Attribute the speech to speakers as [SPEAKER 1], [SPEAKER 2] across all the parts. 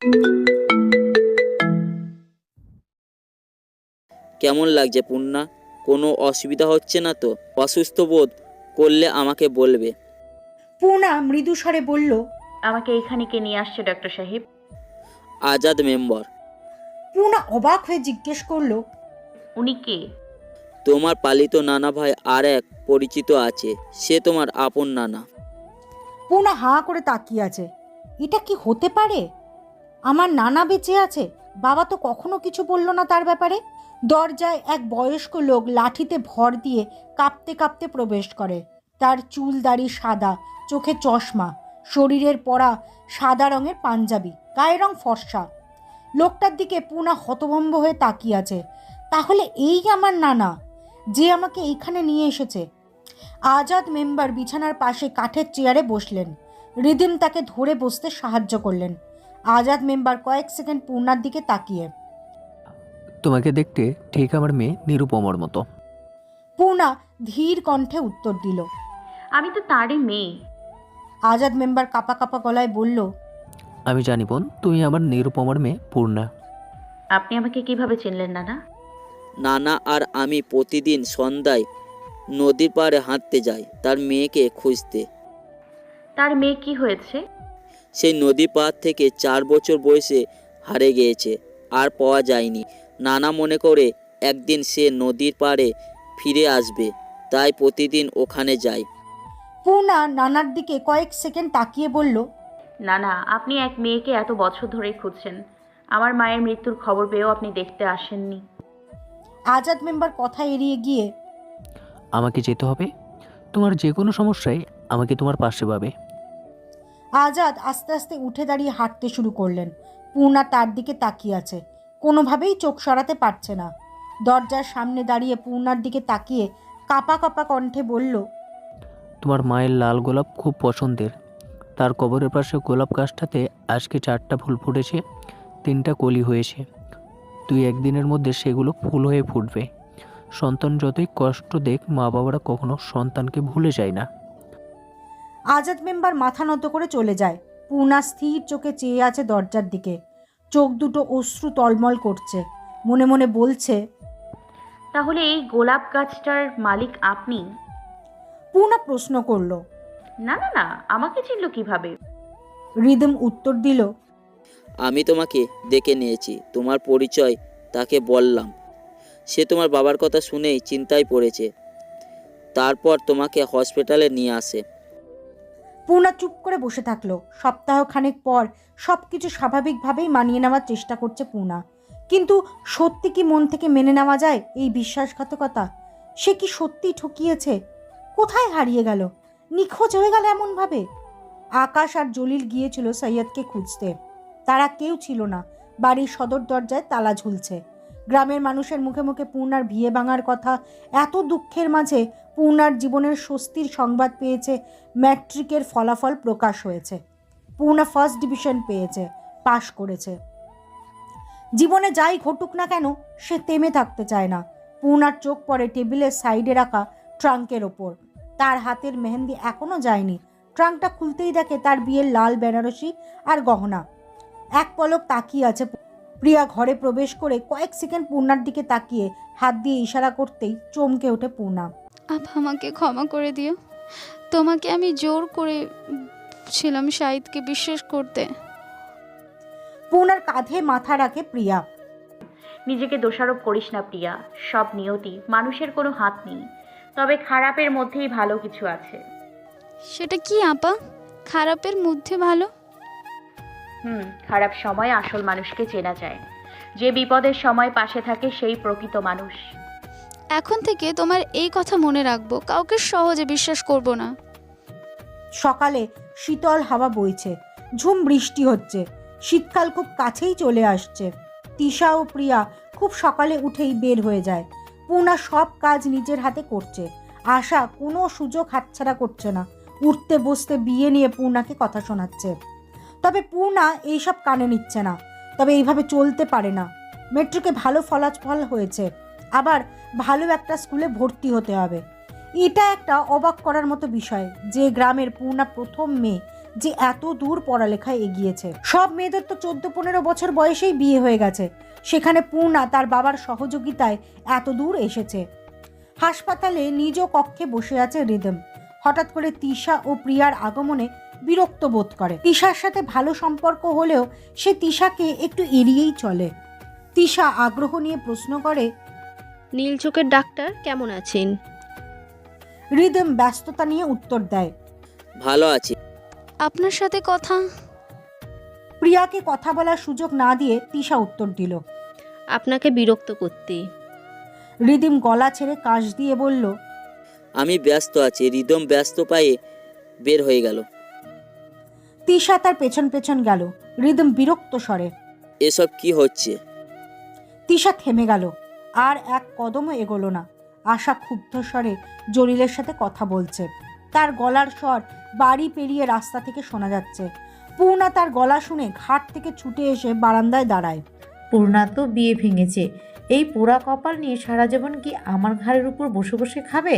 [SPEAKER 1] কেমন লাগছে পূর্ণা? কোনো অসুবিধা হচ্ছে না তো? অসুস্থ বোধ করলে আমাকে বলবে।
[SPEAKER 2] পূর্ণা মৃদুস্বরে বলল,
[SPEAKER 3] আমাকে এইখানে কে নিয়ে আসছে ডক্টর সাহেব?
[SPEAKER 1] আজাদ মেম্বার।
[SPEAKER 2] পূর্ণা অবাক হয়ে জিজ্ঞেস করলো,
[SPEAKER 3] উনি কে?
[SPEAKER 1] তোমার পালিত নানা ভাই আর এক পরিচিত আছে, সে তোমার আপন নানা।
[SPEAKER 2] পূর্ণা হাঁ করে তাকিয়ে আছে। এটা কি হতে পারে? আমার নানা বেঁচে আছে? বাবা তো কখনো কিছু বলল না তার ব্যাপারে। দরজায় এক বয়স্ক লোক লাঠিতে ভর দিয়ে কাঁপতে কাঁপতে প্রবেশ করে। তার চুল দাড়ি সাদা, চোখে চশমা, শরীরের পরা সাদা রঙের পাঞ্জাবি, গায়ের রং ফর্সা। লোকটার দিকে পূর্ণা হতভম্ব হয়ে তাকিয়ে আছে। তাহলে এই আমার নানা, যে আমাকে এইখানে নিয়ে এসেছে। আজাদ মেম্বার বিছানার পাশে কাঠের চেয়ারে বসলেন। রিদিম তাকে ধরে বসতে সাহায্য করলেন। আজাদ মেম্বার কয়েক সেকেন্ড পূর্ণার দিকে তাকিয়ে,
[SPEAKER 4] তোমাকে দেখতে ঠিক আমার মেয়ে নিরুপমার মতো।
[SPEAKER 2] পূর্ণা ধীর কণ্ঠে উত্তর দিল।
[SPEAKER 3] আমি তো তারই মেয়ে।
[SPEAKER 2] আজাদ মেম্বার কাঁপা কাঁপা গলায় বলল,
[SPEAKER 4] আমি জানি বোন, তুমি আমার নিরুপমার মেয়ে পূর্ণা।
[SPEAKER 3] আপনি আমাকে কিভাবে চিনলেন নানা?
[SPEAKER 1] নানা আর আমি প্রতিদিন সন্ধ্যায় নদীর পাড়ে হাঁটতে যাই তার মেয়েকে খুঁজতে।
[SPEAKER 3] তার মেয়ে কি হয়েছে?
[SPEAKER 1] সেই নদী পাড় থেকে 4 বছর বয়সে হারিয়ে গিয়েছে, আর পাওয়া যায়নি। নানা মনে করে একদিন সে নদীর পাড়ে ফিরে আসবে, তাই প্রতিদিন ওখানে যাই।
[SPEAKER 2] পূর্ণা নানার দিকে কয়েক সেকেন্ড তাকিয়ে বলল,
[SPEAKER 3] নানা, আপনি এক মেয়েকে এত বছর ধরেই খুঁজছেন। আমার মায়ের মৃত্যুর খবর পেয়েও আপনি দেখতে আসেননি।
[SPEAKER 2] আজাদ মেম্বার কথা এড়িয়ে গিয়ে,
[SPEAKER 4] আমাকে যেতে হবে, তোমার যে কোনো সমস্যায় আমাকে তোমার পাশে পাবে।
[SPEAKER 2] আজাদ আস্তে আস্তে উঠে দাঁড়িয়ে হাঁটতে শুরু করলেন। পূর্ণা তার দিকে তাকিয়ে আছে, কোনোভাবেই চোখ সরাতে পারছে না। দরজার সামনে দাঁড়িয়ে পূর্ণার দিকে তাকিয়ে কাঁপা কাঁপা কণ্ঠে বলল,
[SPEAKER 4] তোমার মায়ের লাল গোলাপ খুব পছন্দের। তার কবরের পাশে গোলাপ গাছটাতে আজকে 4টা ফুল ফুটেছে, 3টা কলি হয়েছে। তুই একদিনের মধ্যে সেগুলো ফুল হয়ে ফুটবে। সন্তান যতই কষ্ট দেখ, মা বাবারা কখনো সন্তানকে ভুলে যায় না।
[SPEAKER 2] আজাদ মেম্বার মাথা নত করে চলে যায়। পূর্ণা স্থির চোখে চেয়ে আছে দরজার দিকে। চোখ দুটো অশ্রু টলমল করছে। মনে মনে বলছে,
[SPEAKER 3] তাহলে এই গোলাপ গাছটার মালিক আপনি?
[SPEAKER 2] পূর্ণা প্রশ্ন করলো।
[SPEAKER 3] না না না, আমাকে চিনল কিভাবে?
[SPEAKER 2] রিদম উত্তর দিল,
[SPEAKER 1] আমি তোমাকে ডেকে নিয়েছি, তোমার পরিচয় তাকে বললাম। সে তোমার বাবার কথা শুনেই চিন্তায় পড়েছে, তারপর তোমাকে হসপিটালে নিয়ে আসে।
[SPEAKER 2] পূর্ণা চুপ করে বসে থাকলো। সপ্তাহখানেক পর সব কিছু স্বাভাবিকভাবেই মানিয়ে নেওয়ার চেষ্টা করছে পূর্ণা। কিন্তু সত্যি কি মন থেকে মেনে নেওয়া যায় এই বিশ্বাসঘাতকতা? সে কি সত্যিই ঠকিয়েছে? কোথায় হারিয়ে গেল? নিখোঁজ হয়ে গেল এমনভাবে? আকাশ আর জলিল গিয়েছিল সৈয়দকে খুঁজতে। তারা কেউ ছিল না। বাড়ির সদর দরজায় তালা ঝুলছে। গ্রামের মানুষের মুখে মুখে পূর্ণার বিয়ে ভাঙার কথা। এত দুঃখের মাঝে পূর্ণার জীবনের স্বস্তির সংবাদ পেয়েছে। ম্যাট্রিকের ফলাফল প্রকাশ হয়েছে। পূর্ণা ফার্স্ট ডিভিশন পেয়েছে, পাশ করেছে। জীবনে যাই ঘটুক না কেন, সে থেমে থাকতে চায় না। পূর্ণার চোখ পড়ে টেবিলের সাইডে রাখা ট্রাঙ্কের ওপর। তার হাতের মেহেন্দি এখনো যায়নি। ট্রাঙ্কটা খুলতেই দেখে তার বিয়ের লাল বেনারসি আর গহনা। এক পলক তাকিয়ে আছে। প্রিয়া ঘরে প্রবেশ করে কয়েক সেকেন্ড পূর্ণার দিকে তাকিয়ে হাত দিয়ে ইশারা করতেই চমকে ওঠে পূর্ণা।
[SPEAKER 5] আপা, আমাকে ক্ষমা করে দিও। তোমাকে আমি জোর করেছিলাম শাহিদকে বিশ্বাস করতে।
[SPEAKER 2] পূর্ণার কাঁধে মাথা রাখে প্রিয়া।
[SPEAKER 3] নিজেকে দোষারোপ করিস না প্রিয়া, সব নিয়তি, মানুষের কোনো হাত নেই। তবে খারাপের মধ্যেই ভালো কিছু আছে।
[SPEAKER 5] সেটা কি আপা? খারাপের মধ্যে ভালো?
[SPEAKER 3] খারাপ সময় আসল মানুষকে চেনা যায়। যে বিপদের সময় পাশে থাকে সেই প্রকৃত মানুষ।
[SPEAKER 5] এখন থেকে তোমার এই কথা মনে রাখবো, কাউকে সহজে বিশ্বাস করব না।
[SPEAKER 2] সকালে শীতল হাওয়া বইছে, ঝুম বৃষ্টি হচ্ছে। শীতকাল খুব কাছেই চলে আসছে। তিশা ও প্রিয়া খুব সকালে উঠেই বের হয়ে যায়। পূর্ণা সব কাজ নিজের হাতে করছে। আশা কোনো সুযোগ হাতছাড়া করছে না। উঠতে বসতে বিয়ে নিয়ে পূর্ণাকে কথা শোনাচ্ছে। তবে পূর্ণা এইসব কানে নিচ্ছে না। তবে এইভাবে চলতে পারে না। মেট্রিকে ভালো ফলাফল হয়েছে, আবার ভালো একটা স্কুলে ভর্তি হতে হবে। এটা একটা অবাক করার মতো বিষয় যে গ্রামের পূর্ণা প্রথম মেয়ে, যে এত দূর পড়ালেখায় এগিয়েছে। সব মেয়েদের তো 14-15 বছর বয়সেই বিয়ে হয়ে গেছে, সেখানে পূর্ণা তার বাবার সহযোগিতায় এত দূর এসেছে। হাসপাতালে নিজ কক্ষে বসে আছে রিদম। হঠাৎ করে তিশা ও প্রিয়ার আগমনে বিরক্ত বোধ করে। তিশার সাথে ভালো সম্পর্ক হলেও সে তিশাকে একটু এড়িয়েই চলে। তিশা আগ্রহ নিয়ে প্রশ্ন করে,
[SPEAKER 6] নীল চোখের ডাক্তার কেমন আছেন?
[SPEAKER 2] রিদম ব্যস্ততা নিয়ে উত্তর দেয়।
[SPEAKER 1] ভালো আছি।
[SPEAKER 5] আপনার সাথে কথা।
[SPEAKER 2] প্রিয়াকে কথা বলার সুযোগ না দিয়ে তিশা উত্তর দিল।
[SPEAKER 6] আপনাকে বিরক্ত করতে।
[SPEAKER 2] রিদিম গলা ছেড়ে কাশ দিয়ে বলল,
[SPEAKER 1] আমি ব্যস্ত আছি। রিদম ব্যস্ত পায়ে বের হয়ে গেল।
[SPEAKER 2] তিশা তার পেছন পেছন গেল। রিদম বিরক্ত স্বরে।
[SPEAKER 1] এসব কি হচ্ছে?
[SPEAKER 2] তিশা থেমে গেল, আর এক কদমও এগোলো না। আশা ক্ষুব্ধ স্বরে জলিলের সাথে কথা বলছে। তার গলার স্বর বাড়ি পেরিয়ে রাস্তা থেকে শোনা যাচ্ছে। পূর্ণা তার গলা শুনে ঘাট থেকে ছুটে এসে বারান্দায় দাঁড়ায়।
[SPEAKER 7] পূর্ণা তো বিয়ে ভেঙেছে, এই পোড়া কপাল নিয়ে সারা জীবন কি আমার ঘাড়ের উপর বসে বসে খাবে?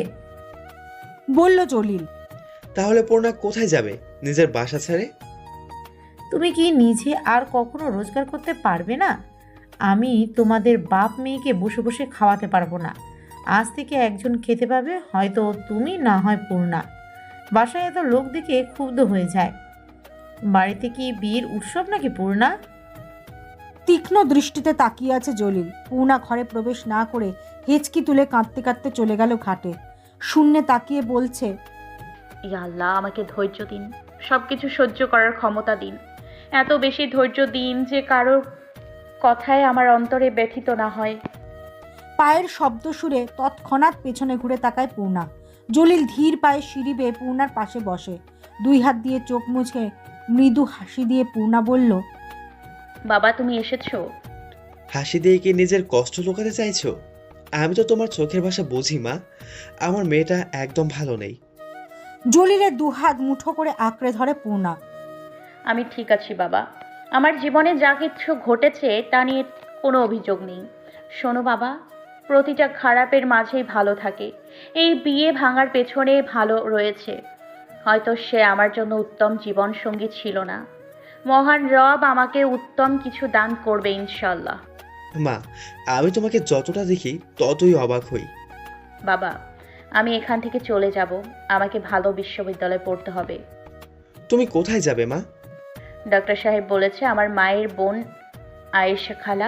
[SPEAKER 2] বলল জলিল।
[SPEAKER 8] তাহলে পূর্ণা কোথায় যাবে নিজের বাসা ছেড়ে?
[SPEAKER 7] তুমি কি নিজে আর কখনো রোজগার করতে পারবে না? আমি তোমাদের বাপ মেয়েকে বসে বসে খাওয়াতে পারবো না। আজ থেকে একজন খেতে পাবে, হয়তো তুমি, না হয় পূর্ণা। বাসায় এত লোক দেখে ক্ষুব্ধ হয়ে যায়। বাড়িতে কি বিয়ের উৎসব নাকি পূর্ণা?
[SPEAKER 2] তীক্ষ্ণ দৃষ্টিতে তাকিয়ে আছে জলিল। পূর্ণা ঘরে প্রবেশ না করে হেঁচকি তুলে কাঁদতে কাঁদতে চলে গেল ঘাটে। শূন্যে তাকিয়ে বলছে,
[SPEAKER 3] ইয়া আল্লাহ, আমাকে ধৈর্য দিন, সব কিছু সহ্য করার ক্ষমতা দিন। এত বেশি ধৈর্য দিন যে কারোর কথায় আমার অন্তরে ব্যথিত না হয়।
[SPEAKER 2] পায়ের শব্দ শুনে তৎক্ষণাৎ পেছনে ঘুরে তাকায় পূর্ণা। জলিল ধীর পায়ে সিঁড়ি বেয়ে পূর্ণার পাশে বসে। 2 হাত দিয়ে চোখ মুছে মৃদু হাসি দিয়ে পূর্ণা বলল,
[SPEAKER 3] বাবা তুমি এসেছো?
[SPEAKER 8] হাসি দিয়ে কি নিজের কষ্ট লুকাতে চাইছো? আমি তো তোমার চোখের ভাষা বুঝি মা। আমার মেয়েটা একদম ভালো নেই।
[SPEAKER 2] জলিলের 2 হাত মুঠো করে আঁকড়ে ধরে পূর্ণা।
[SPEAKER 3] আমি ঠিক আছি বাবা, আমার জীবনে যা কিছু ঘটেছে তা নিয়ে কোনো অভিযোগ নেই। শোনো বাবা, প্রতিটা খারাপের মাঝেই ভালো থাকে। এই বিয়ে ভাঙার পেছনে ভালো রয়েছে। হয়তো সে আমার জন্য উত্তম জীবনসঙ্গী ছিল না। মহান রব আমাকে উত্তম কিছু দান করবে ইনশাল্লাহ।
[SPEAKER 8] মা, আমি তোমাকে যতটা দেখি ততই অবাক হই।
[SPEAKER 3] বাবা, আমি এখান থেকে চলে যাব। আমাকে ভালো বিশ্ববিদ্যালয়ে পড়তে হবে।
[SPEAKER 8] তুমি কোথায় যাবে মা?
[SPEAKER 3] ডক্টর সাহেব বলেছে আমার মায়ের বোন আয়েশা খালা,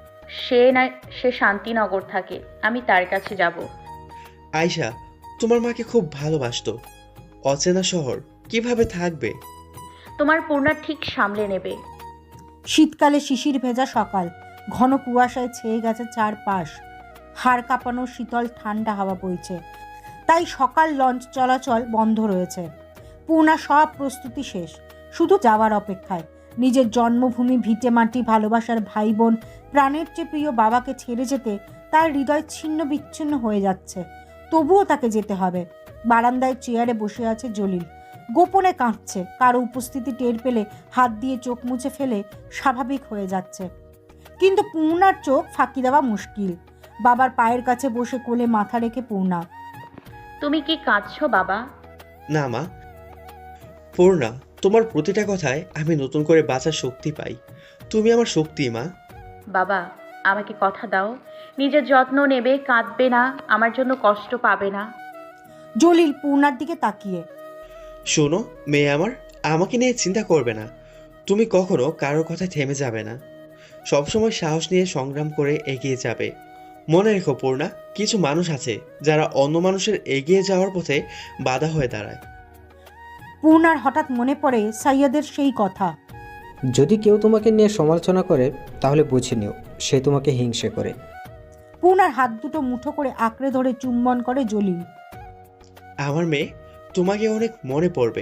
[SPEAKER 3] সে শান্তিনগর থাকে, আমি তার কাছে যাব।
[SPEAKER 8] আয়শা তোমার মাকে খুব ভালোবাসতো। অচেনা শহর কিভাবে থাকবে?
[SPEAKER 3] তোমার পূর্ণা ঠিক সামলে নেবে।
[SPEAKER 2] শীতকালে শিশির ভেজা সকাল, ঘন কুয়াশায় ছেয়ে গেছে চারপাশ। হাড় কাঁপানো শীতল ঠান্ডা হাওয়া বইছে, তাই সকাল লঞ্চ চলাচল বন্ধ রয়েছে। পূর্ণা সব প্রস্তুতি শেষ, শুধু যাওয়ার অপেক্ষায়। নিজের জন্মভূমি, ভিটে মাটি, ভালোবাসার ভাই বোন, প্রাণের চেয়ে প্রিয় বাবাকে ছেড়ে যেতে তার হৃদয় ছিন্ন বিচ্ছিন্ন হয়ে যাচ্ছে। তবুও তাকে যেতে হবে। বারান্দায় চেয়ারে বসে আছে জলিল, গোপনে কাঁদছে। কারো উপস্থিতি টের পেলে হাত দিয়ে চোখ মুছে ফেলে স্বাভাবিক হয়ে যাচ্ছে। কিন্তু পূর্ণার চোখ ফাঁকি দেওয়া মুশকিল। বাবার পায়ের কাছে বসে কোলে মাথা রেখে পূর্ণা।
[SPEAKER 3] তুমি কি কাঁদছো বাবা?
[SPEAKER 8] না মা। পূর্ণা, তোমার প্রতিটা কথায় আমি নতুন করে বাঁচার শক্তি পাই। তুমি আমার শক্তি মা।
[SPEAKER 3] বাবা, আমাকে কথা দাও, নিজের যত্ন নেবে, কাঁদবে না, আমার জন্য কষ্ট পাবে না।
[SPEAKER 2] জলিল পূর্ণার দিকে তাকিয়ে,
[SPEAKER 8] শোনো মেয়ে আমার, আমাকে নিয়ে চিন্তা করবে না। তুমি কখনো কারোর কথায় থেমে যাবে না। সবসময় সাহস নিয়ে সংগ্রাম করে এগিয়ে যাবে। মনে রেখো পূর্ণা, কিছু মানুষ আছে যারা অন্য মানুষের এগিয়ে যাওয়ার পথে বাধা হয়ে দাঁড়ায়।
[SPEAKER 2] পূর্ণার হঠাৎ মনে পড়ে সাইয়াদের সেই কথা।
[SPEAKER 9] যদি কেউ তোমাকে নিয়ে সমালোচনা করে তাহলে বুঝে নিও সে তোমাকে হিংসে করে।
[SPEAKER 2] পূর্ণার হাত দুটো মুঠো করে আঁকড়ে ধরে চুম্বন করে জলিল।
[SPEAKER 8] আমার মেয়ে, তোমাকে অনেক মনে পড়বে।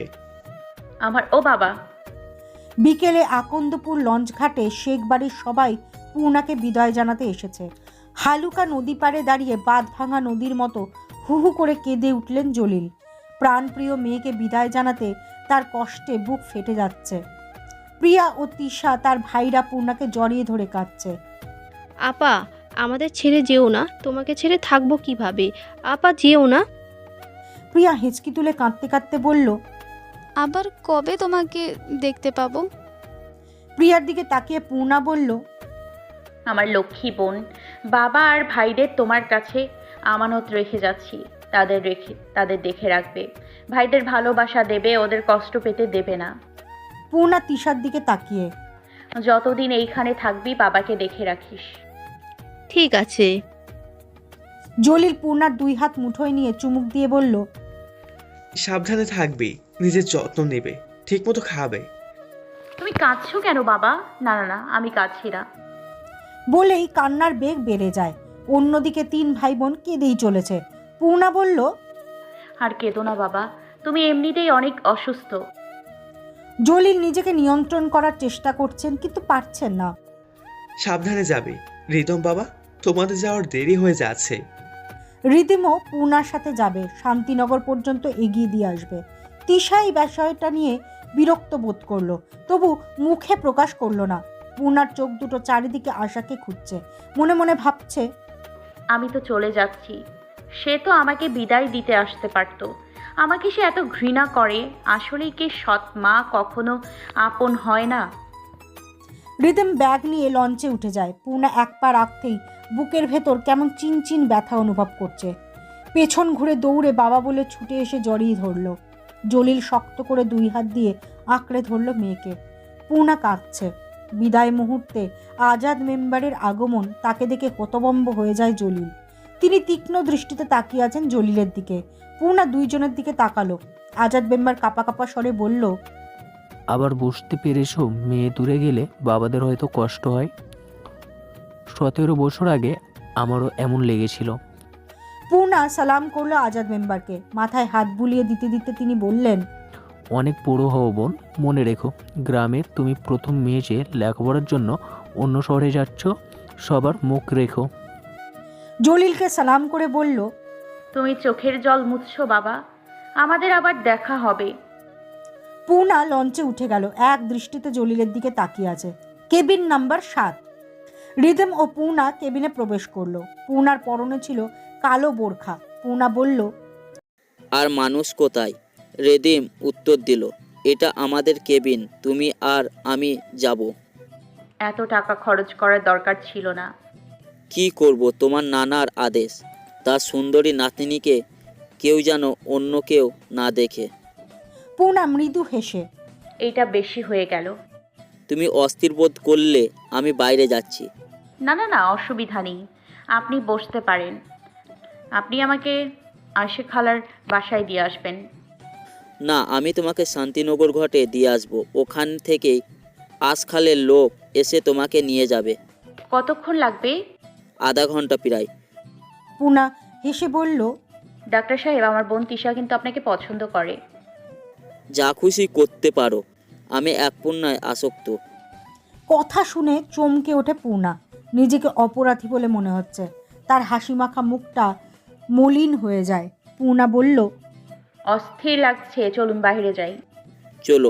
[SPEAKER 3] ও বাবা।
[SPEAKER 2] বিকেলে আকন্দপুর লঞ্চ ঘাটে শেখ বাড়ির সবাই পূর্ণাকে বিদায় জানাতে এসেছে। হালুকা নদী পাড়ে দাঁড়িয়ে বাঁধ ভাঙা নদীর মতো হু হু করে কেঁদে উঠলেন জলিল। প্রাণপ্রিয় মেয়েকে বিদায় জানাতে তার কষ্টে বুক ফেটে যাচ্ছে। প্রিয়া ও তিশা তার ভাইরা পূর্ণাকে জড়িয়ে ধরে কাঁদছে।
[SPEAKER 6] আপা, আমাদের ছেড়ে যেও না, তোমাকে ছেড়ে থাকবো কিভাবে? আপা যেও না।
[SPEAKER 2] প্রিয়া হেঁচকি তুলে কাঁদতে কাঁদতে বলল,
[SPEAKER 5] আবার কবে তোমাকে দেখতে পাবো?
[SPEAKER 2] প্রিয়ার দিকে তাকিয়ে পূর্ণা বলল,
[SPEAKER 3] আমার লক্ষ্মী বোন, বাবা আর ভাইদের তোমার কাছে আমানত রেখে যাচ্ছি। তাদের দেখে রাখবে, ভাইদের ভালোবাসা দেবে, ওদের কষ্ট পেতে দেবে না।
[SPEAKER 2] পূর্ণা তিশার দিকে তাকিয়ে,
[SPEAKER 3] যতদিন এইখানে থাকবি বাবাকে দেখে রাখিস।
[SPEAKER 6] ঠিক আছে।
[SPEAKER 2] জলিল পূর্ণার 2 হাত মুঠোয় নিয়ে চুমুক দিয়ে বলল,
[SPEAKER 8] সাবধানে থাকবি, নিজের যত্ন নেবে, ঠিকমতো খাবে।
[SPEAKER 3] তুমি কাঁদছো কেন বাবা? না না না, আমি কাঁদছি না।
[SPEAKER 2] বলেই কান্নার বেগ বেড়ে যায়। অন্যদিকে 3 ভাই বোন কেঁদেই চলেছে। পূর্ণা বলল,
[SPEAKER 3] আর কেঁদো না বাবা, তুমি এমনিতেই অনেক অসুস্থ।
[SPEAKER 2] জলিল নিজেকে নিয়ন্ত্রণ করার চেষ্টা করছেন কিন্তু পারছেন না।
[SPEAKER 8] সাবধানে যাবি রিতম বাবা, তোমাদের যাওয়ার দেরি হয়ে যাচ্ছে।
[SPEAKER 2] রিদিমও পূর্ণার সাথে যাবে, শান্তিনগর পর্যন্ত এগিয়ে দিয়ে আসবে। তিশা এই বিষয়টা নিয়ে বিরক্ত বোধ করলো, তবু মুখে প্রকাশ করলো না। পূর্ণার চোখ দুটো চারিদিকে আশাকে খুঁজছে, মনে মনে ভাবছে,
[SPEAKER 3] আমি তো চলে যাচ্ছি, সে তো আমাকে বিদায় দিতে আসতে পারতো। আমাকে সে এত ঘৃণা করে, আসলেই কি সৎ মা কখনো আপন হয় না?
[SPEAKER 2] রিদিম ব্যাগ নিয়ে লঞ্চে উঠে যায়। পূর্ণা এক পা রাখতেই বুকের ভেতর কেমন চিনচিন ব্যথা অনুভব করছে। পেছন ঘুরে দৌড়ে বাবা বলে ছুটে এসে জড়িয়ে ধরল। জলিল শক্ত করে 2 হাত দিয়ে আঁকড়ে ধরল মেয়েকে। পূর্ণা কাঁদছে। বিদায় মুহূর্তে আজাদ মেম্বারের আগমন, তাকে দেখে হতভম্ব হয়ে যায় জলিল। তিনি তীক্ষ্ণ দৃষ্টিতে তাকিয়ে আছেন জলিলের দিকে। পূর্ণা 2 জনের দিকে তাকালো। আজাদ মেম্বার কাঁপা কাঁপা স্বরে বলল,
[SPEAKER 4] আবার বুঝতে পেরেছো, মেয়ে দূরে গেলে বাবাদের হয়তো কষ্ট হয়। 17 বছর আগে আমারও এমন লেগেছিল।
[SPEAKER 2] পূর্ণা সালাম করলো আজাদ মেম্বারকে। মাথায় হাত বুলিয়ে দিতে দিতে তিনি বললেন,
[SPEAKER 4] অনেক বড় হও বোন, মনে রেখো গ্রামে তুমি প্রথম মেয়ে যে লেখাপড়ার জন্য অন্য শহরে যাচ্ছ, সবার মুখ রেখো।
[SPEAKER 2] জলিলকে সালাম করে বলল,
[SPEAKER 3] তুমি চোখের জল মুছছো বাবা, আমাদের আবার দেখা হবে।
[SPEAKER 2] পূর্ণা লঞ্চে উঠে গেল। এক দৃষ্টিতে জলিলের দিকে তাকিয়ে আছে। Cabin number 7। রিদম ও পূর্ণা কেবিনে প্রবেশ করলো। পূর্ণার পরনে ছিল কালো বোরখা। পূর্ণা বলল,
[SPEAKER 1] আর মানুষ কোথায়? রেদিম উত্তর দিল, এটা আমাদের কেবিন, তুমি আর আমি যাব।
[SPEAKER 3] এত টাকা খরচ করার দরকার ছিল না।
[SPEAKER 1] কি করব, তোমার নানার আদেশ। তার সুন্দরী নাতনিকে কেউ যেন অন্য কেউ না দেখে।
[SPEAKER 2] পূর্ণা মৃদু হেসে,
[SPEAKER 3] এইটা বেশি হয়ে গেল।
[SPEAKER 1] তুমি অস্থির বোধ করলে আমি বাইরে যাচ্ছি।
[SPEAKER 3] না না না, অসুবিধা নেই, আপনি বসতে পারেন। আপনি আমাকে আশে খালার বাসায় দিয়ে আসবেন।
[SPEAKER 1] না, আমি তোমাকে শান্তিনগর ঘাটে দিয়ে আসবো। ওখান থেকেই আশখালের লোক এসে তোমাকে নিয়ে যাবে।
[SPEAKER 3] কতক্ষণ লাগবে?
[SPEAKER 1] আধা ঘন্টা প্রায়।
[SPEAKER 2] পূর্ণা হেসে বলল,
[SPEAKER 3] ডাক্তার সাহেব, আমার বোন তিশা কিন্তু আপনাকে পছন্দ করে।
[SPEAKER 1] যা খুশি করতে পারো, আমি এক পূর্ণায় আসক্ত।
[SPEAKER 2] কথা শুনে চমকে ওঠে পূর্ণা। নিজেকে অপরাধী বলে মনে হচ্ছে। তার হাসিমাখা মুখটা মলিন হয়ে যায়। পূর্ণা বলল,
[SPEAKER 3] অস্থির লাগছে, চলুন বাইরে যাই।
[SPEAKER 1] চলো।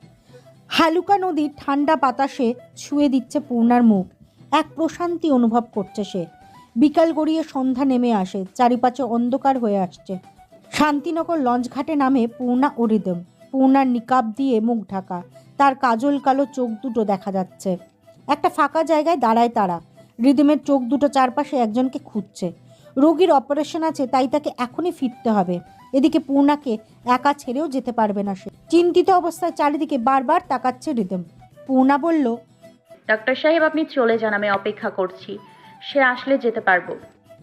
[SPEAKER 2] হালুকা নদীর ঠান্ডা বাতাসে ছুঁয়ে দিচ্ছে পূর্ণার মুখ। এক প্রশান্তি অনুভব করছে সে। বিকাল গড়িয়ে সন্ধ্যা নেমে আসে, চারিপাশে অন্ধকার হয়ে আসছে। শান্তিনগর লঞ্চঘাটে নামে পূর্ণা ও রিদম। পূর্ণার নিকাব দিয়ে মুখ ঢাকা, তার কাজল কালো চোখ দুটো দেখা যাচ্ছে। একটা ফাঁকা জায়গায় দাঁড়ায় তারা। রিদমের চোখ দুটো চারপাশে একজনকে খুঁজছে। রোগীর অপারেশন আছে, তাই তাকে এখনই ফিরতে হবে। এদিকে পূর্ণাকে একা ছেড়েও যেতে পারবে না সে। চিন্তিত অবস্থায় চারিদিকে বারবার তাকাচ্ছে রিদম। পূর্ণা বলল,
[SPEAKER 3] ডাক্তার সাহেব, আপনি চলে যান, আমি অপেক্ষা করছি। সে আসলে যেতে পারবো।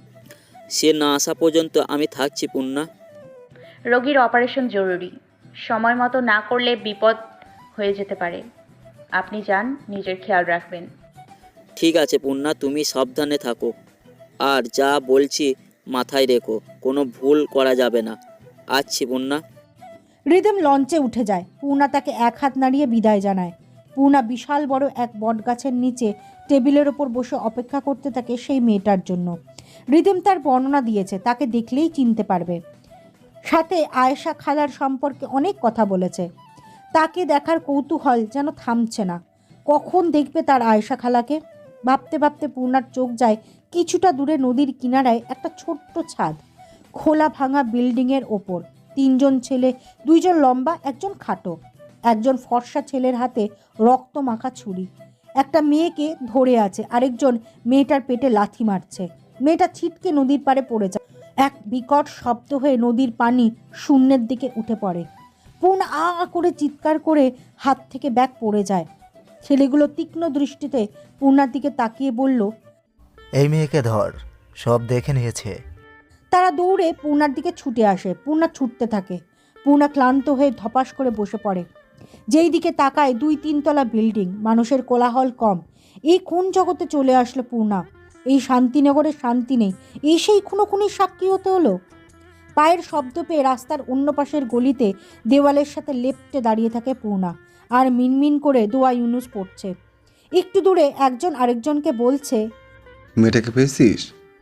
[SPEAKER 1] সে না আসা পর্যন্ত আমি থাকছি পূর্ণা।
[SPEAKER 3] রোগীর অপারেশন জরুরি, সময় মতো না করলে বিপদ হয়ে যেতে পারে। আপনি যান, নিজের খেয়াল রাখবেন।
[SPEAKER 1] ঠিক আছে পূর্ণা, তুমি সাবধানে থাকো। আর যা বলছি মাথায় রেখো, কোনো ভুল করা যাবে না। আসছি পূর্ণা।
[SPEAKER 2] রিদম লঞ্চে উঠে যায়। পূর্ণা তাকে এক হাত নাড়িয়ে বিদায় জানায়। পূর্ণা বিশাল বড় এক বটগাছের নিচে টেবিলের ওপর বসে অপেক্ষা করতে থাকে সেই মেয়েটার জন্য। রিদম তার বর্ণনা দিয়েছে, তাকে দেখলেই চিনতে পারবে। সাথে আয়েশা খালার সম্পর্কে অনেক কথা বলেছে। তাকে দেখার কৌতূহল যেন থামছে না। কখন দেখবে তার আয়েশা খালাকে? ভাবতে ভাবতে পূর্ণার চোখ যায় কিছুটা দূরে নদীর কিনারায় একটা ছোট্ট ছাদ, খোলা ভাঙা বিল্ডিংয়ের ওপর। তিনজন ছেলে, দুইজন লম্বা, একজন খাটো। একজন ফর্সা ছেলের হাতে রক্ত মাখা ছুরি। একটা মেয়েকে ধরে আছে, আরেকজন মেয়েটার পেটে লাথি মারছে। মেয়েটা ছিটকে নদীর পাড়ে পড়ে যায়। এক বিকট শব্দ হয়ে নদীর পানি শূন্যের দিকে উঠে পড়ে। পূর্ণা আ আ করে চিৎকার করে হাত থেকে ব্যাগ পড়ে যায়। ছেলেগুলো তীক্ষ্ণ দৃষ্টিতে পূর্ণার দিকে তাকিয়ে বলল,
[SPEAKER 10] এই মেয়েকে ধর, সব দেখে নিয়েছে।
[SPEAKER 2] তারা দৌড়ে পূর্ণার দিকে ছুটে আসে। পূর্ণা ছুটতে থাকে। পূর্ণা ক্লান্ত হয়ে ধপাস করে বসে পড়ে। যেই দিকে তাকায় 2-3 তলা বিল্ডিং, মানুষের কোলাহল কম। এই কোন জগতে চলে আসলো পূর্ণা? এই শান্তিনগরের শান্তি নেই, এই সেই খুনোখুনির সাক্ষী হতে হলো। পায়ের শব্দ পেয়ে রাস্তার অন্য পাশের গলিতে দেওয়ালের সাথে লেপ্টে দাঁড়িয়ে থাকে পূর্ণা, আর মিনমিন করে দোয়া ইউনুস পড়ছে। একটু দূরে একজন আরেকজনকে বলছে,
[SPEAKER 11] মেয়েটাকে পেয়েছিস?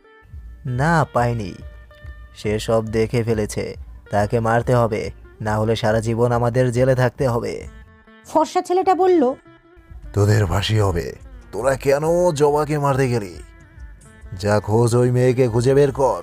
[SPEAKER 10] না, পাইনি। সে সব দেখে ফেলেছে, তাকে মারতে হবে, না হলে সারা জীবন আমাদের জেলে থাকতে হবে।
[SPEAKER 2] ফর্সা ছেলেটা বলল,
[SPEAKER 12] তোদের ফাঁসি হবে। তোরা কেন জবাকে মারতে গেলি? যা খোঁজ ওই মেয়েকে খুঁজে বের কর।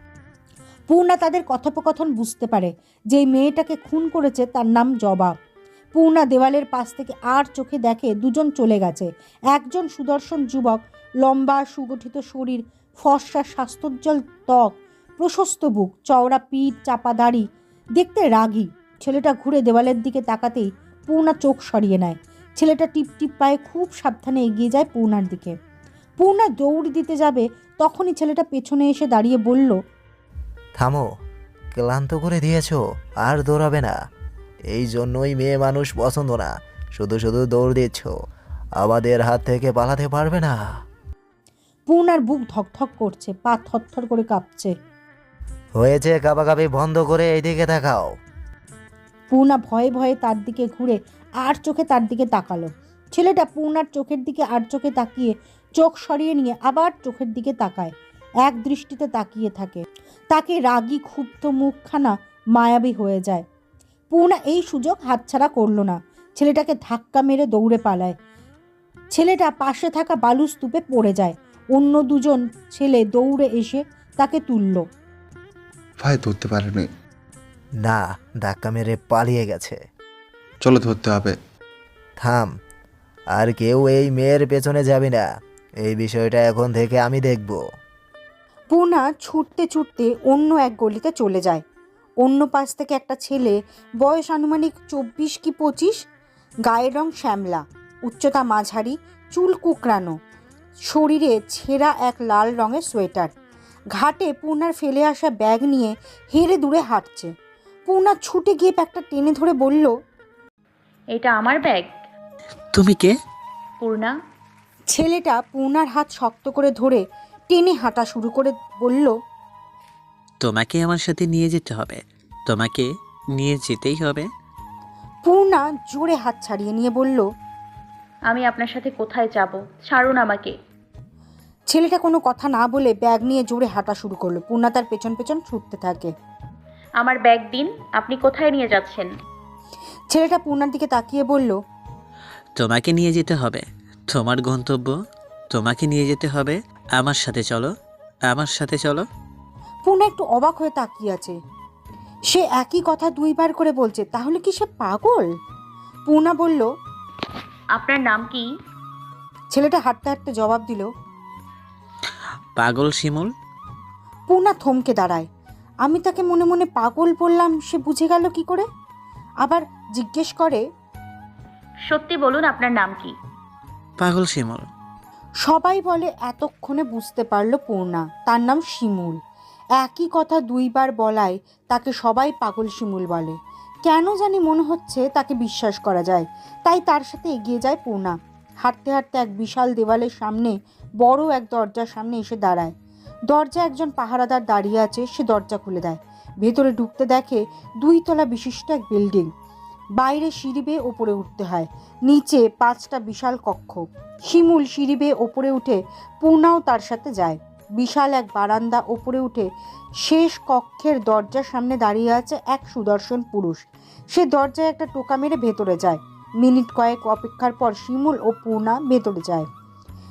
[SPEAKER 2] পূর্ণা তাদের কথোপকথন বুঝতে পারে। যেই মেয়েটাকে খুন করেছে তার নাম জবা। পূর্ণা দেওয়ালের পাশ থেকে আর চোখে দেখে দুজন চলে গেছে। একজন সুদর্শন যুবক, লম্বা সুগঠিত শরীর, ফর্সা স্বাস্থ্যোজ্জ্বল ত্বক, প্রশস্ত বুক, চওড়া পিঠ, চাপা দাড়ি, দেখতে রাগী। ছেলেটা ঘুরে দেওয়ালের দিকে তাকাতেই পূর্ণা চোখ সরিয়ে নেয়। ছেলেটা টিপ টিপ পায়ে খুব সাবধানে এগিয়ে যায় পূর্ণার দিকে। পূর্ণা দৌড় দিতে যাবে, তখনই ছেলেটা পেছনে এসে দাঁড়িয়ে বলল,
[SPEAKER 10] থামো, ক্লান্ত করে দিয়েছো, আর দৌড়াবে না। এই জন্যই মেয়ে মানুষ পছন্দ না, শুধু শুধু দৌড় দিচ্ছ, আমাদের হাত থেকে পালাতে পারবে না।
[SPEAKER 2] পূর্ণার বুক ধকধক করছে, পা থরথর করে কাঁপছে।
[SPEAKER 10] হয়েছে, কাঁপাকাঁপি বন্ধ করে এইদিকে তাকাও।
[SPEAKER 2] পূর্ণা ভয়ে ভয়ে তার দিকে ঘুরে আর চোখে তার দিকে তাকালো। ছেলেটা পূর্ণার চোখের দিকে আর চোখে তাকিয়ে চোখ সরিয়ে নিয়ে আবার চোখের দিকে তাকায়। এক দৃষ্টিতে তাকিয়ে থাকে। তাকে রাগী ক্ষুব্ধ মুখখানা মায়াবী হয়ে যায়। পূর্ণা এই সুযোগ হাতছাড়া করলো না। ছেলেটাকে ধাক্কা মেরে দৌড়ে পালায়। ছেলেটা পাশে থাকা বালু স্তূপে পড়ে যায়। অন্য দুজন ছেলে দৌড়ে এসে তাকে তুলল।
[SPEAKER 11] ভাই ধরতে পারেনি।
[SPEAKER 10] না, ধাক্কা মেরে পালিয়ে গেছে।
[SPEAKER 11] চলো ধরতে হবে।
[SPEAKER 10] থাম, আর কেউ এই মেয়ের পেছনে যাবে না। এই বিষয়টা এখন থেকে আমি দেখব।
[SPEAKER 2] পূর্ণা ছুটতে ছুটতে অন্য এক গলিতে চলে যায়। অন্য পাশ থেকে একটা ছেলে, বয়স আনুমানিক 24 কি 25, গায়ের রং শ্যামলা, উচ্চতা মাঝারি, চুল কুকরানো, শরীরে ছেঁড়া এক লাল রঙের সোয়েটার, ঘাটে পূর্ণার ফেলে আসা ব্যাগ নিয়ে হেরে দূরে হাঁটছে। পূর্ণা ছুটে গিয়ে ব্যাগটা টেনে ধরে বলল,
[SPEAKER 3] এটা আমার ব্যাগ।
[SPEAKER 4] তুমি কে?
[SPEAKER 3] পূর্ণা।
[SPEAKER 2] ছেলেটা পূর্ণার হাত শক্ত করে ধরে টেনে হাঁটা শুরু করে বলল,
[SPEAKER 4] তোমাকে আমার সাথে নিয়ে যেতে হবে, তোমাকে নিয়ে যেতেই হবে।
[SPEAKER 2] পূর্ণা জোরে হাত ছাড়িয়ে নিয়ে বলল,
[SPEAKER 3] আমি আপনার সাথে কোথায় যাব? ছাড়ুন আমাকে।
[SPEAKER 2] ছেলেটা কোনো কথা না বলে ব্যাগ নিয়ে জোরে হাঁটা শুরু করলো। পূর্ণা তার পেছন পেছন ছুটতে থাকে।
[SPEAKER 3] আমার ব্যাগ দিন। আপনি কোথায় নিয়ে যাচ্ছেন?
[SPEAKER 2] ছেলেটা পূর্ণার দিকে তাকিয়ে বলল,
[SPEAKER 4] তোমাকে নিয়ে যেতে হবে, তোমার গন্তব্য, তোমাকে নিয়ে যেতে হবে। আমার সাথে চলো, আমার সাথে চলো।
[SPEAKER 2] পূর্ণা একটু অবাক হয়ে তাকিয়ে আছে। সে একই কথা 2 বার করে বলছে, তাহলে কি সে পাগল? পূর্ণা বলল,
[SPEAKER 3] আপনার নাম কি?
[SPEAKER 2] ছেলেটা হাঁটতে হাঁটতে জবাব দিল,
[SPEAKER 4] পাগল শিমুল।
[SPEAKER 2] পূর্ণা থমকে দাঁড়ায়। আমি তাকে মনে মনে পাগল বললাম, সে বুঝে গেল কি করে? আবার জিজ্ঞেস করে,
[SPEAKER 3] সত্যি বলুন আপনার নাম কি?
[SPEAKER 4] পাগল শিমুল।
[SPEAKER 2] সবাই বলে এতক্ষণে বুঝতে পারল পূর্ণা তার নাম শিমুল। একই কথা 2 বার বলায় তাকে সবাই পাগল শিমুল বলে। কেন জানি মনে হচ্ছে তাকে বিশ্বাস করা যায়, তাই তার সাথে এগিয়ে যায় পূর্ণা। হাঁটতে হাঁটতে এক বিশাল দেওয়ালের সামনে বড় এক দরজার সামনে এসে দাঁড়ায়। দরজা একজন পাহারাদার দাঁড়িয়ে আছে। সে দরজা খুলে দেয়। ভেতরে ঢুকতে দেখে 2 তলা বিশিষ্ট এক বিল্ডিং। বাইরে সিঁড়ি বেয়ে ওপরে উঠতে হয়। নিচে 5টা বিশাল কক্ষ। শিমুল সিঁড়ি বেয়ে ওপরে উঠে পূর্ণাও তার সাথে যায়। বিশাল এক বারান্দা। ওপরে উঠে শেষ কক্ষের দরজার সামনে দাঁড়িয়ে আছে এক সুদর্শন পুরুষ। সে দরজায় একটা টোকা মেরে ভেতরে যায়। মিনিট কয়েক অপেক্ষার পর শিমুল ও পূর্ণা ভেতরে যায়।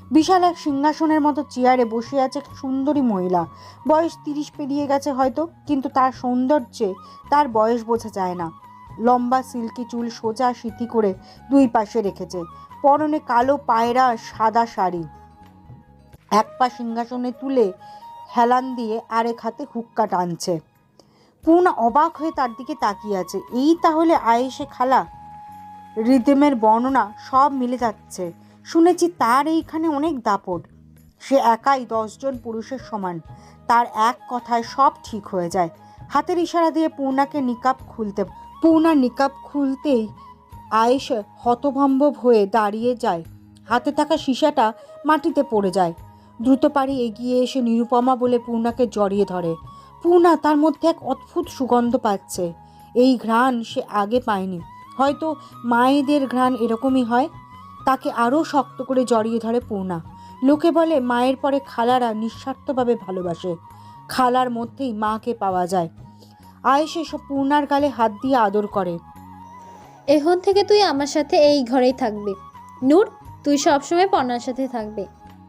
[SPEAKER 2] বিশাল এক সিংহাসনের মতো চেয়ারে বসে আছে এক সুন্দরী মহিলা। বয়স 30 পেরিয়ে গেছে হয়তো, কিন্তু তার সৌন্দর্যে তার বয়স বোঝা যায় না। লম্বা সিল্কি চুল সোজা সিঁথি করে দুই পাশে রেখেছে, পরনে কালো পায়রা সাদা শাড়ি। এক পা সিংহাসনে তুলে হেলান দিয়ে আরেক হাতে হুক্কা টানছে। পূর্ণা অবাক হয়ে তার দিকে তাকিয়ে আছে। এই তাহলে আয়েশে খালা। রিদেমের বর্ণনা সব মিলে যাচ্ছে। শুনেছি তার এইখানে অনেক দাপট। সে একাই 10 জন পুরুষের সমান। তার এক কথায় সব ঠিক হয়ে যায়। হাতের ইশারা দিয়ে পূর্ণার নিকাব খুলতেই আয়েশা হতভম্ব হয়ে দাঁড়িয়ে যায়। হাতে থাকা সীসাটা মাটিতে পড়ে যায়। দ্রুত পারি এগিয়ে এসে নিরুপমা বলে পূর্ণাকে জড়িয়ে ধরে। পূর্ণা তার মধ্যে এক অদ্ভুত সুগন্ধ পাচ্ছে। এই ঘ্রাণ সে আগে পায়নি। হয়তো মায়েদের ঘ্রাণ এরকমই হয়। তাকে আরও শক্ত করে জড়িয়ে ধরে পূর্ণা। লোকে বলে মায়ের পরে খালারা নিঃস্বার্থভাবে ভালোবাসে। খালার মধ্যেই মাকে পাওয়া যায়। আয়েশা সব পূর্ণার গালে হাত দিয়ে আদর করে।
[SPEAKER 13] এখন থেকে তুই আমার সাথে এই ঘরেই থাকবি। নূর, তুই সবসময় পর্ণার সাথে থাকবি।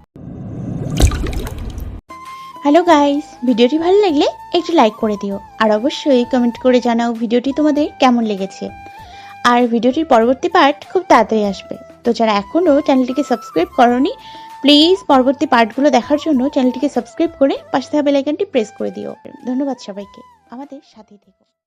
[SPEAKER 14] হ্যালো গাইস, ভিডিওটি ভালো লাগলে একটু লাইক করে দিও, আর অবশ্যই কমেন্ট করে জানাও ভিডিওটি তোমাদের কেমন লেগেছে। আর ভিডিওটির পরবর্তী পার্ট খুব তাড়াতাড়ি আসবে। তো যারা এখনও চ্যানেলটিকে সাবস্ক্রাইব করোনি, প্লিজ পরবর্তী পার্টগুলো দেখার জন্য চ্যানেলটিকে সাবস্ক্রাইব করে পাশে থাকা বেল আইকনটি প্রেস করে দিও। ধন্যবাদ সবাইকে, আমাদের সাথেই থেকো।